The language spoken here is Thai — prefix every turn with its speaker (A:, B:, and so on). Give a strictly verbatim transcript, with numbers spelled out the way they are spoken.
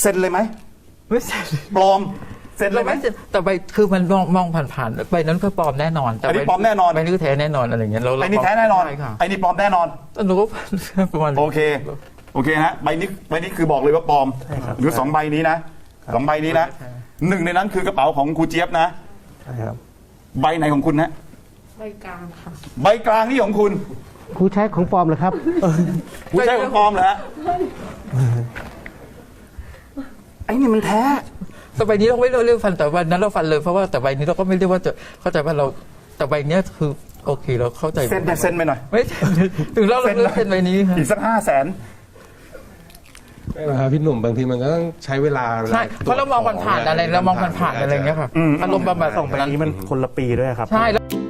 A: เซ็นเลยไหม
B: ไม่เซ็น
A: ปลอมเซ็นเลยไหม
B: แต่ใบคือมันมองมองผ่านๆใบนั้นก็ปลอมแน่นอนแต่
A: อันนี้ปลอมแน่นอน
B: ใบนี้ก็แท้แน่นอนอะไรอย่างเงี้ยเรา
A: ไอ้นี่แท้แน่นอน
B: ใช่ค่ะ
A: ไอ้นี่ปลอมแน่นอน
B: หนูก็ประมาณ
A: โอเคโอเคฮะใบนี้ใบนี้คือบอกเลยว่าปลอมหรือสองใบนี้นะสองใบนี้นะหนึ่งในนั้นคือกระเป๋าของครูเจี๊ยบนะ
C: ใช่ครับ
A: ใบไหนของคุณฮะ
D: ใบกลางค่ะ
A: ใบกลางนี่ของคุณ
C: ครูใช้ของปลอมเหรอครับ
A: คุณใช่ของปลอมเหรอฮะไอ้นี่มันแท้
B: แต่ใบนี้เราไม่เรียกฟันแต่วันนั้นเราฟันเลยเพราะว่าแต่ใบนี้เราก็ไม่เรียกว่าจะเข้าใจว่าเราแต่ใบเนี้ยคือโอเคเราเข้าใจ
A: เซ็นแต่เซ็นไปหน่อย
B: ไม่ถึงเราเราเลือกเซ็นใบนี้ค่ะ
A: อีกสักห้าแสน
E: ไม่นะครับพี่หนุ่มบางทีมันก็ต้องใช้เวลา
B: ใช่เพราะเรามองผ่านๆอะไรเรามองผ่านๆอะไรอย่างเงี้ยค่ะอารมณ์ประมาณ
C: ส่งไปนี้มันคนละปีด้วยครับ
B: ใช่แล้ว